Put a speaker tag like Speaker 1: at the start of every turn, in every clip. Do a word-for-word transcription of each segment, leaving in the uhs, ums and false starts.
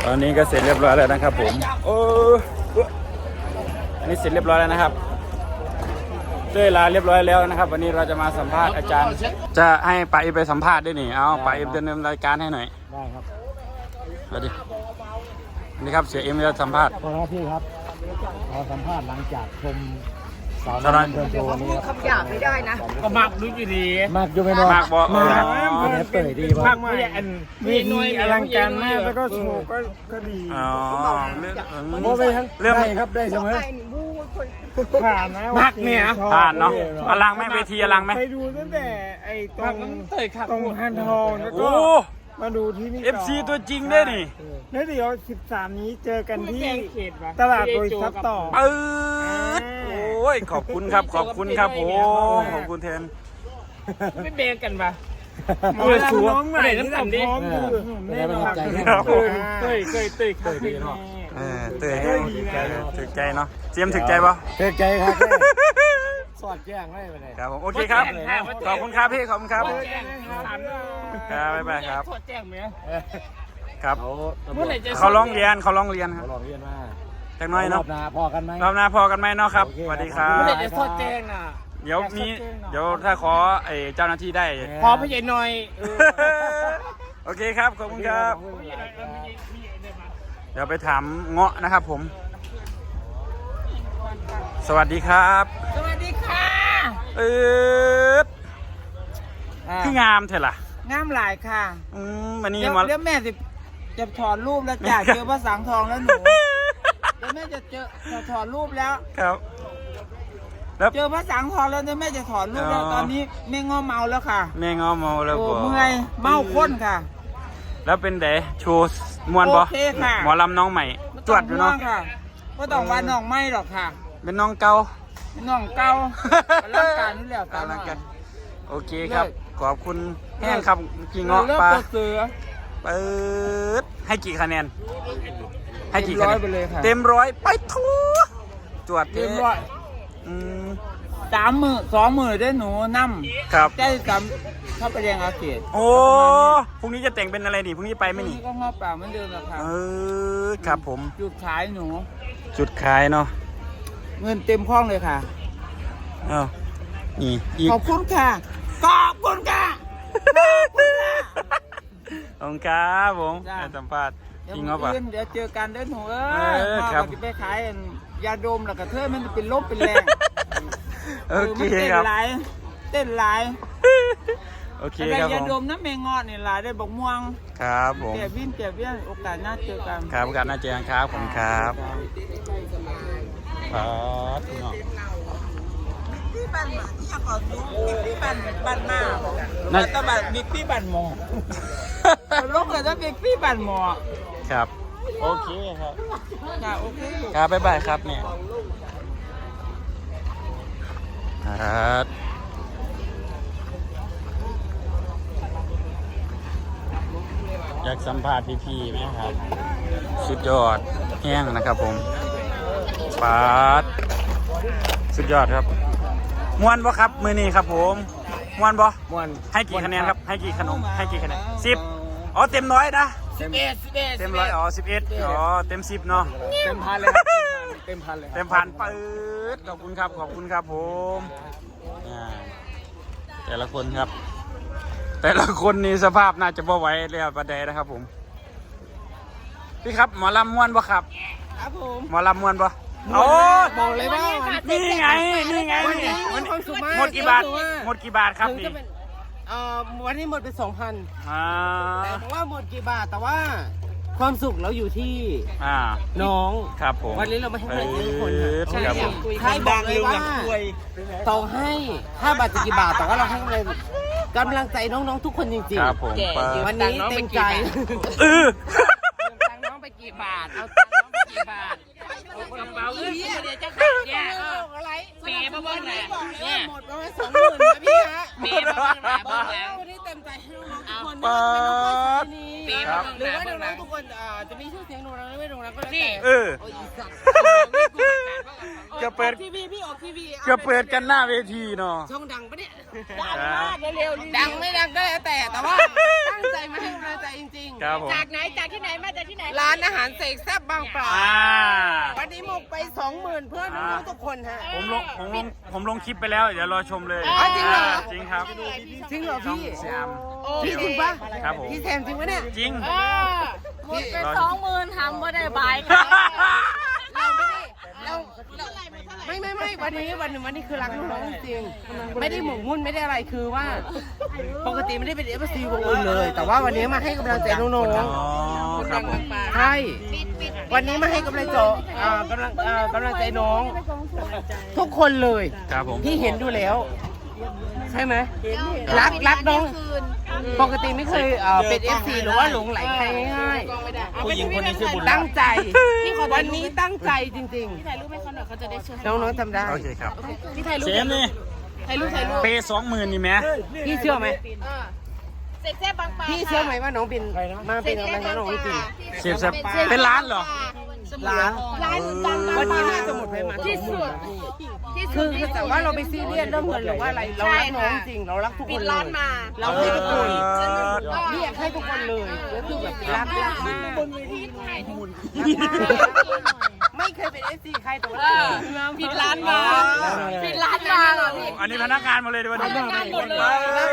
Speaker 1: ตอนนี้ก็เสร็จเรียบร้อยแล้วนะครับผมโอ้อันนี้เสร็จเรียบร้อยแล้วนะครับเต้ยลาเรียบร้อยแล้วนะครับวันนี้เราจะมาสัมภาษณ์อาจารย์จะให้ป้าอิมไปสัมภาษณ์ด้วยนี่เอาป้าอิมดำเนินรายการให้หน่อย
Speaker 2: ได้ครับ
Speaker 1: สวัสดีนี่ครับเสียเอ็มจะสัมภาษณ์
Speaker 2: ขอรับพี่ครับขอสัมภาษณ์หลังจากชมสาวน้อยเดินโชว์นี้ครับ
Speaker 3: คำหยาบไม่ได้นะ
Speaker 4: ก็มากรู้อยู่ดี
Speaker 2: มากอยู่ไม่น้อย
Speaker 1: มากบอก
Speaker 2: มากเนี่ยเปิดดีป่ะ
Speaker 4: มากไม่อันมีหน่วยอลังการมากแล้วก็โชว์ก็ก็ดี
Speaker 1: อ๋อ
Speaker 2: โมไปทั้งเรื่องครับได้เสมอ
Speaker 4: ผ่านนะมากเนี่ย
Speaker 1: ผ่านเนาะอลังไหมเวทีอลังไหม
Speaker 4: ไปดูตั้งแต่ไอ้ตรงตรงฮันทองแล้วก็มาดูที่นี่
Speaker 1: เอฟซีตัวจริงได้ดิ
Speaker 4: แล้วเดี๋ยวสิบสามนี้เจอกันที่ตลาดโดยซับต่อ
Speaker 1: เออโอ้ยขอบคุณครับขอบคุณครับผมขอบคุณแทน
Speaker 4: ไม่เบรกกันปะมือสูงไหนน้ำตาลดิ
Speaker 2: แน่นอนใจ
Speaker 4: เต้ยเต้ยเต้ยเต้ยดีเนาะ
Speaker 1: เออเต้ยถึกใจเนาะเจียมถึกใจปะ
Speaker 2: ถึกใจครับสอดแจ้งให้ไปเลย
Speaker 1: ครับผมโอเคครับขอบคุณครับพี่ขอบคุณครับครับบ๊ายบายครับ
Speaker 4: สอดแจ้งไหม
Speaker 1: ครับเขาร้องเรียนเขาร้องเรียนครับ
Speaker 2: ร้องเรียนมา
Speaker 1: จากน้อยเนาะ
Speaker 2: รอบหน้าพอกันไหม
Speaker 1: รอบหน้าพอกันไหมเนาะครับสวัสดีครับ
Speaker 4: เมื่อไหร่จะสอดแจ้งอ่ะ
Speaker 1: เดี๋ยวมีเดี๋ยวถ้าขอไอ้เจ้าหน้าที่ได้
Speaker 4: พอพี่ใหญ่หน่อย
Speaker 1: โอเคครับขอบคุณครับเดี๋ยวไปถามเงาะนะครับผมสวัสดีครับ
Speaker 3: สวัสดีค่ะ
Speaker 1: เออคืองามเถอะล่ะ
Speaker 3: งามหลายค่ะ
Speaker 1: อืมวันนี้
Speaker 3: เดี๋ยวแม่สิจะถอดรูปแล้วจ่าเจอพระสังทองแล้วหนูเดี๋ยวแม่จะเจอจะถอดรูปแล้ว
Speaker 1: ครับ
Speaker 3: เจอพระสังทองแล้วเดี๋ยวแม่จะถอดรูปแล้วตอนนี้แม่ง้อเมาแล้วค่ะ
Speaker 1: แม่ง้อเมาแล้ว
Speaker 3: โอ้เมื่อยเมาข้นค่ะ
Speaker 1: แล้วเป็นเด๋โชว์มวนบอหมอลำน้องใหม่จวดอยู่เนาะ
Speaker 3: ก็ต้องว่าน้องไม่หรอกค่ะ
Speaker 1: เป็นน้องเก่า
Speaker 3: น้องเก่าร่างกายนี่แหละตาม
Speaker 1: กันโอเคครับขอบคุณแห้งครับกี่เงาะปลาเสือเปิดให้กี่คะแนนให้กี่คะแนนเต็มร้อยไปทั่วจวด
Speaker 3: เต็มร้อย
Speaker 1: อืม
Speaker 3: สามมือสองมือได้หนูนั่ม
Speaker 1: ครับ
Speaker 3: ได้สามเข้าไปเรียนอาเซียน
Speaker 1: โอ้พรุ่งนี้จะแต่งเป็นอะไรดิพรุ่งนี้ไปไหมนี่
Speaker 3: ก็งอป่าเหมือนเดิมแหละครับ
Speaker 1: เออครับผม
Speaker 3: จุดขายหนู
Speaker 1: จุดขายเนาะ
Speaker 3: เงินเต็มคล่องเลยค่ะ
Speaker 1: อ้าวนี่อีก
Speaker 3: ขอบคุณค่ะขอบคุณค่ะ
Speaker 1: ขอบคุณครับผมสัมภาษณ์จริงเหรอปะ
Speaker 3: เดี๋ยวเจอกันเด้อหนูเอ้ยพ่อจะไปขายยาดมแล้วก็เธอมันเป็นลบเป็นแรง
Speaker 1: โอเคครับ
Speaker 3: เต้นหลายเต้นหลาย
Speaker 1: โอเคครับผม
Speaker 3: ยาดมน้ำแมงงอดนี่หลายได้บอกม่วง
Speaker 1: ครับผม
Speaker 3: เจ็บวิ่งเจ็บวิ่งโอกาสหน้าเจอกัน
Speaker 1: ครับโอกาสหน้าเจอกันครับผมครับครับ
Speaker 3: พี่บันมาที่อยากขอดูพี่บันบันมาแล้วก็บันบิ๊กพี่บันหมอลูกเลยต้องบิ๊กพี่บันหมอ
Speaker 1: ครับโอเคครับ
Speaker 3: ค่ะโอเค
Speaker 1: ครับบ๊ายบายครับเนี่ยครับอยากสัมภาษณ์พี่ๆไหมครับสุดยอดแห้งนะครับผมปาดสุดยอดครับม้วนบ่ครับมือนี้ครับผมม้วนบ่
Speaker 2: ม้วน
Speaker 1: ให้กี่คะแนนครับให้กี่ขนมให้กี่คะแนนสิบอ๋อเต็มร้อยนะ
Speaker 3: สิบเอ็ดสิบเอ็ด
Speaker 1: เต็มร้อยอ๋อสิบเอ็ดอ๋อเต็มสิบเนาะ
Speaker 2: เต็มพันเลยเต็มพันเลย
Speaker 1: เต็มพันปื๊ดขอบคุณครับขอบคุณครับผมแต่ละคนครับแต่ละคนนี่สภาพน่าจะบ่ไหวเลยประเดี๋ยวนะครับผมพี่ครับหมอลำม้วนบ่ครับ
Speaker 3: ครับผม
Speaker 1: หมอลำม้วนบ่โอ้
Speaker 2: บอกเลยว่า
Speaker 1: นี่ไงนี่ไงนี่หมดกี่บาทหมดกี่บาทครับนี่
Speaker 2: เอ่อวันนี้หมดไปสองพัน
Speaker 1: อ่า
Speaker 2: แต่บอกว่าหมดกี่บาทแต่ว่าความสุขเราอยู่ที่
Speaker 1: อ่า
Speaker 2: น้อง
Speaker 1: ครับผม
Speaker 2: วันนี้เราไม่ให้ทุกคน
Speaker 1: ใช่ครับผม
Speaker 2: ใครบอกเลยว่าต่อให้ถ้าบาทจะกี่บาทแต่ว่าเราให้เลยกำลังใจน้องๆทุกคนจริง
Speaker 1: ๆครับผม
Speaker 2: วันนี้เต็มใจ
Speaker 1: เออ
Speaker 3: ตังน้องไปกี่บาทเอาตังน้องไปกี่บาทกระเป๋าเงินเดี๋ยวจะขาดเนี่ยอะไรเมย์มาบ้างนะเนี่ย
Speaker 2: หมดประมาณสองหมื่นนะพี่ฮะ
Speaker 3: เมย์มาบ้างนะบ้างแล้ว
Speaker 2: วันนี้เต็มใจให้น้องๆทุกคนนะ
Speaker 3: เมย์มาบ้าง
Speaker 2: หรือว่าน้องๆทุกคนจะมีชื่อเสียงโด่งดังไม่โด่งดังก็แล้วแต่
Speaker 1: เออ
Speaker 3: โอ้ยสัตว์
Speaker 1: จะเปิด
Speaker 3: ทีวีพี่ออกทีวี
Speaker 1: จะเปิดกันหน้าเวทีเนาะ
Speaker 3: ช่องดังปะเนี่ย
Speaker 1: ดังมาก
Speaker 3: เร็วๆดังไม่ดังก็แล้วแต่แต่ว่าตั้งใจมาให้กำลังใจจริง
Speaker 1: ครับผม
Speaker 3: จากไหนจากที่ไหนมาจากที่ไหนร้านอาหารเสกแซ่บบางปลา
Speaker 1: อ่า
Speaker 3: วันนี้หมกไปสองหมื่นเพื่อนน้องๆทุกคนฮะ
Speaker 1: ผมลงผมลงผมลงคลิปไปแล้วเดี๋ยวรอชมเลย
Speaker 3: อ๋อจริงเหรอ
Speaker 1: จริงครับ
Speaker 3: จริงเหรอพี่
Speaker 1: สยาม
Speaker 3: พี่จริงปะ
Speaker 1: ครับผม
Speaker 3: พี่แซมจริงปะเนี่ย
Speaker 1: จริง
Speaker 5: หมดไปสองหมื่นทำบ่ได้บายค่ะ
Speaker 3: เราไม่ได้เราเราไม่ไม่ไม่วันนี้วันวันนี้คือรักน้องๆจริงๆไม่ได้หมกมุ่นไม่ได้อะไรคือว่า ปกติไม่ได้เป็นเอฟซีวงอื่นเลย แต่ว่าวันนี้มาให้กำลังใจน้อง
Speaker 1: อ๋อครับผม
Speaker 3: ๆใช่วันนี้มาให้กำลังใจอ่ากำลังอ่ากำลังใจน้อง ทุกคนเลย
Speaker 1: ครับผม
Speaker 3: พี่เห็นดูแล้ว ใช่ไหมรักรักน้อง ปกติไม่เคยเอ่อเป็นเอฟซีหรือว่าหลงไหลใครง่ายๆ
Speaker 2: ผู้หญิงคนนี้ชื่อบุญรั
Speaker 3: ตั้
Speaker 2: ก
Speaker 3: งใจ วันนี้ตั้งใจจริง
Speaker 5: พี่ถ่ายรูปให้เขาหน่อยเขาจะได้เชื่อ
Speaker 3: ๆ น้องๆทำได้
Speaker 1: โอเคครับ
Speaker 5: พี่ถ่ายรูป
Speaker 1: เจมส์นี่
Speaker 5: ถ่ายรูปถ่ายรูป
Speaker 1: เปสองหมื่นนี่ไหม
Speaker 3: พี่เชื่อไหม
Speaker 5: เสกแซ่บบางปลา
Speaker 3: พี่เชื่อไหมว่าน้องเป็นมาเป็นอะไรให้น้องจริง
Speaker 1: เสียบสับเป็นล้านเหรอ
Speaker 3: ร้าน
Speaker 5: ร้านดัง
Speaker 3: วันนี้ให้สมุดไปมา
Speaker 5: ที่สุดที่สุ
Speaker 3: คือ
Speaker 5: ด
Speaker 3: คือแต่ว่าเราไปซีเรียสเรื่องเงินหรือว่าอะไร เรารักน้องจริง เรารักทุกคนเลยเราให้ทุกคนเรียกให้ทุกคนเลยแล้วคือแบบรักรักมากไม่เคยเป็นเอฟซีใครแต่ว่า
Speaker 5: ผิดร้านมาผิดร้านมาเหรอพี่
Speaker 1: อันนี้พนักงานหมาเลยดีวันนี้
Speaker 5: พนักงานหมดเลย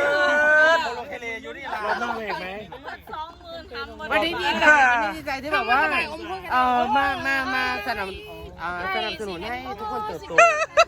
Speaker 4: รถนั่งเอกไหม
Speaker 5: สองหมื่นทำบ่
Speaker 3: วัน
Speaker 5: ได้
Speaker 3: นี้ดีใจวันนี้ดีใจที่แบบว่าเออมามามาสนับอ่าสนับสนุนให้ทุกคนเติบโต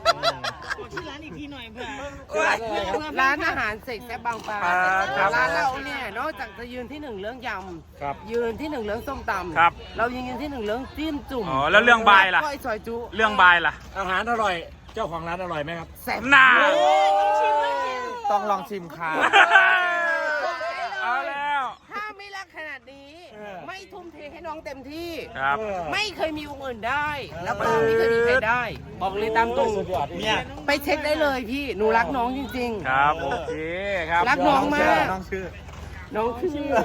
Speaker 3: ร้านอาหารเสกแซ่บบางปลาร้านเราเนี่ยนอกจากจะยืนที่หนึ่งเรื่องยำยืนที่หนึ่งเรื่องส้มตำเรายังยืนที่หนึ่งเรื่องจิ้มจุ่ม
Speaker 1: อ๋อแล้วเรื่องบายล่ะ
Speaker 3: ก้อยซอยจุ
Speaker 1: เรื่องบายล่ะ
Speaker 4: อาหารอร่อย เจ้าของร้านอร่อยไหมครับ
Speaker 3: แซ่บ
Speaker 1: น่า
Speaker 4: ต้องลองชิมค่ะ
Speaker 1: เอาแล้ว
Speaker 3: ถ้าไม่รักขนาดนี้ ไม่ทุ่มเทให้น้องเต็มที่
Speaker 1: ครับ
Speaker 3: ไม่เคยมีวงอื่นได้ แล้วก็ไม่เคยมีใครได้ บอกเลยตามตรง
Speaker 4: เนี่ย
Speaker 3: ไปเช็คได้เลยพี่ หนูรักน้องจริง
Speaker 1: ครับโอเคครับ
Speaker 3: รักน้องมาก
Speaker 4: น้องชื่อ
Speaker 3: ๆ น้องชื่อ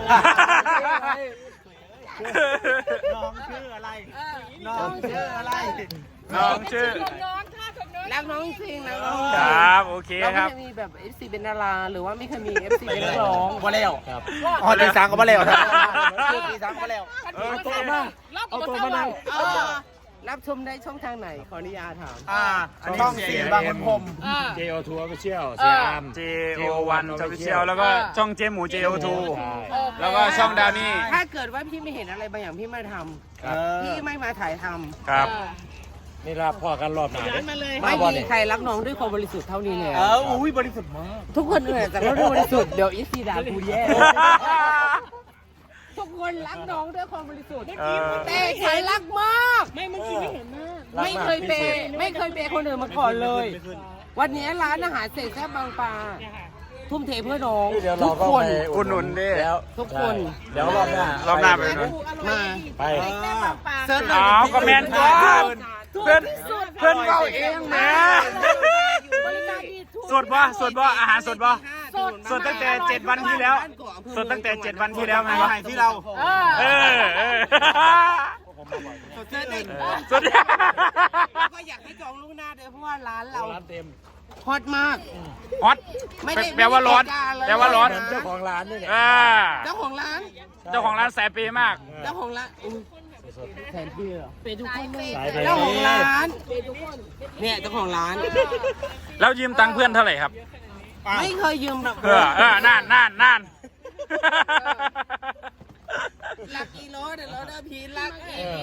Speaker 4: น้องชื่ออะไร น้องชื่ออะไร
Speaker 1: น้องชื่อ
Speaker 3: รักน้องจริงนะน้อง
Speaker 1: ครับโอเค
Speaker 3: เรา
Speaker 1: ค
Speaker 3: ไม่
Speaker 1: รับ
Speaker 3: เคยมีแบบ เอฟ ซี เป็นดาราหรือว่าไม่เคยมี เอฟ ซี เป็นนักร้อง
Speaker 4: มาแล้วอ๋อตีสามก็มาแล้วครับตีสามก็แล้ว
Speaker 1: เออ
Speaker 4: ตัวมาเอาตัวมานั่ง
Speaker 3: เออรับชมได้ช่องทางไหน ขออนุญาตถาม
Speaker 4: อ่าอันนี้ต้องสีบางคนพรม เจ โอ ทู Official เสียอาม
Speaker 1: เจโอวันจอฟิเชียลแล้วก็ช่องเจหมู เจ โอ ทู แล้วก็ช่องดาวนี่
Speaker 3: ถ้าเกิดว่าพี่ไม่เห็นอะไรบางอย่างพี่ไม่ทำพี่ไม่มาถ่ายทำ
Speaker 1: ครับ
Speaker 4: นี่รับพ่อกันรอบหนา
Speaker 3: ไม่มีใครรักน้องด้วยความบริสุทธิ์เท่านี้แล้ว
Speaker 4: เอออุ้ยบริสุทธิ์มาก
Speaker 3: ทุกคนเหนื่อยแต่ก็ด้วยบริสุทธิ์เดี๋ยวอีซีด่ากูแย่ทุกคนรักน้องด้วยความบริสุทธิ์
Speaker 1: เออ
Speaker 3: แต่ใครรักมาก ไม่ไม่คิดไม่เห็นมากไม่เคยเปย์ไม่เคยเปย์คนอื่นมาก่อนเลย วันนี้ร้านอาหารเสร็จแซ่บบางปลาทุ่มเทเพื่อน้อง
Speaker 4: เดี๋ยว
Speaker 3: ทุ
Speaker 4: เรา
Speaker 3: ก
Speaker 4: ก็
Speaker 3: คน
Speaker 4: ไป
Speaker 1: อุดหนุนดิ
Speaker 4: แล้ว
Speaker 3: ทุกคน
Speaker 4: เดี๋ยวรอบหน้าร
Speaker 1: อบหน้าไปดู
Speaker 3: มา
Speaker 4: ไป
Speaker 3: เซิร์ช
Speaker 1: อ้าวก็แมนตัวเพื่อนเพื่อนเบาเองแหมสดบ่สดบ่อาหารสดบ่สดตั้งแต่เจ็ดวันที่แล้วสดตั้งแต่เจ็ดวันที่แล้วไงวะ
Speaker 4: ที่เรา
Speaker 1: เออเออ
Speaker 3: เซิร์ชเอง
Speaker 1: สด
Speaker 3: ก็อยากให้จองล่วงหน้าด้วยเพราะว่าร้านเรา
Speaker 4: ร้านเต็ม
Speaker 3: ฮอตมาก
Speaker 1: ฮอต
Speaker 3: ไม่ได้
Speaker 1: แปลว่าร้อน
Speaker 3: ไม่ได้การเลย
Speaker 1: แปลว่าร้อน
Speaker 4: เจ้าของร้านนี่แหละ
Speaker 1: อ่า
Speaker 3: เจ้าของร้าน
Speaker 1: เจ้าของร้านแสบปีมาก
Speaker 3: เจ้าของร้านอุ๊ยแทนพี่เหรอ
Speaker 5: เป็นทุกคนเลย
Speaker 4: สายไป
Speaker 3: เจ้าของร้านเนี่ยเจ้าของร้าน
Speaker 1: แล้วยืมตังค์เพื่อนเท่าไหร่ครับ
Speaker 3: ไม่เคยยืมแบบ
Speaker 1: เออเออนั่นนั่นนั่น
Speaker 3: รักอีโรสเดี๋ยวเราได้พีรัก
Speaker 4: เออ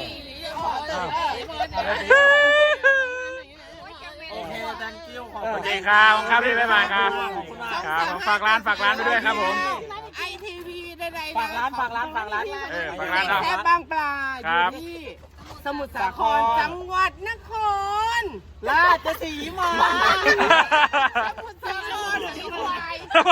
Speaker 4: โอเค thank you ขอบ
Speaker 1: โอ
Speaker 4: คุณ
Speaker 1: เคครับครับพี่บ๊ายบายครับครับฝากร้านฝากร้านไปด้วยครับผม
Speaker 3: ไอทีวีใดๆ
Speaker 4: ฝากร้านฝากร้านฝากร้าน
Speaker 1: เออฝากร้าน
Speaker 3: แค่บางปลาอ
Speaker 1: ครั
Speaker 3: ยู่
Speaker 1: บ
Speaker 3: ที่สมุทรสาครจังหวัดนคร
Speaker 4: ราชสีมา
Speaker 3: สมุทรสาครสีควาย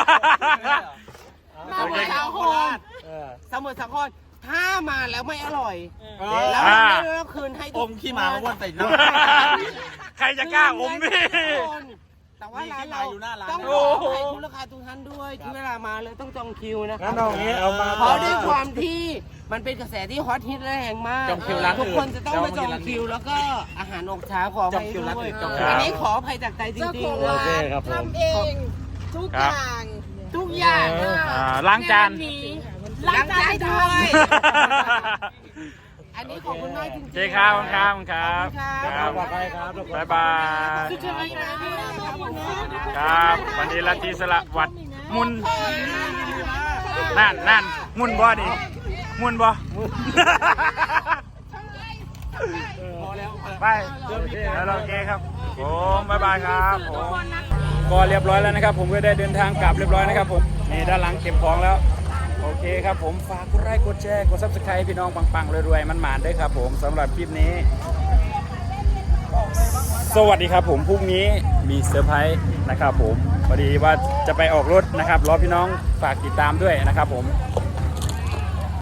Speaker 1: โอ
Speaker 3: ส
Speaker 1: เค
Speaker 3: มุทร
Speaker 1: ค
Speaker 3: สา
Speaker 1: รับ
Speaker 3: คร
Speaker 4: เออ
Speaker 3: สมุทรสาครถ้ามาแล้วไม่อร่อย
Speaker 4: เอ
Speaker 3: แล้ว
Speaker 1: อ่า
Speaker 3: ไม่ได้คืนให้
Speaker 4: อมขี้หมามาวนใส่หน้า
Speaker 1: ใครจะกล้าอมพี่
Speaker 3: ทุกคนแต่ว่าร้านเราต้องข
Speaker 1: โอ้
Speaker 3: ออ
Speaker 1: โห
Speaker 3: ภัยคุณลูกค้าทุกท่านด้วยที่เวลามาเลยต้องจองคิวนะค
Speaker 4: งั้
Speaker 3: รั
Speaker 4: นเอาอย่างนี้เอามา
Speaker 3: เพราะด้วยความที่มันเป็นกระแสที่ฮอตฮิตและแรงมาก
Speaker 2: จองคิวร้านอื่น
Speaker 3: ทุกคนจะต้องมาจองคิวแล้วก็อาหารออกช้าขออภัย
Speaker 2: จองคิวร้าน
Speaker 3: ด้ว
Speaker 2: อื่
Speaker 3: ย
Speaker 2: นจองคิว
Speaker 3: อันนี้ขออภัยจากใจจริงๆ
Speaker 4: โอเคครับผม
Speaker 5: ทำเองทุกอย่าง
Speaker 3: ทุกอย่าง
Speaker 1: อ่าล้างจาน
Speaker 5: ล้างจานให้ด้วย
Speaker 3: อันนี้ขอบคุณมากจริง
Speaker 1: โอ
Speaker 3: ๆ
Speaker 1: เคครับขอบคุณครับขอบคุณครับ
Speaker 3: ขอบคุณครับ
Speaker 4: ปลอดภัยครับทุกคน
Speaker 1: บ๊ายบาย
Speaker 3: สุดยอดเลยครับขอบคุณครับ
Speaker 1: ครับวันนี้ลัทธิสละวัดมุนนั่นนั่นมุนบ่ดิมุนบ่ไปแล้วโอเคครับผมบ๊ายบายครับผมก็เรียบร้อยแล้วนะครับ ผมก็ได้เดินทางกลับเรียบร้อยนะครับผมนี่ด้านหลังเก็บของแล้วโอเคครับผมฝากกดไลค์กดแชร์กดซับสไครต์พี่น้องปังๆรวยๆมันหมานด้วยครับผมสำหรับคลิปนี้ สวัสดีครับผมพรุ่งนี้มีเซอร์ไพรส์นะครับผมพอดีว่าจะไปออกรถนะครับรอพี่น้องฝากติดตามด้วยนะครับผม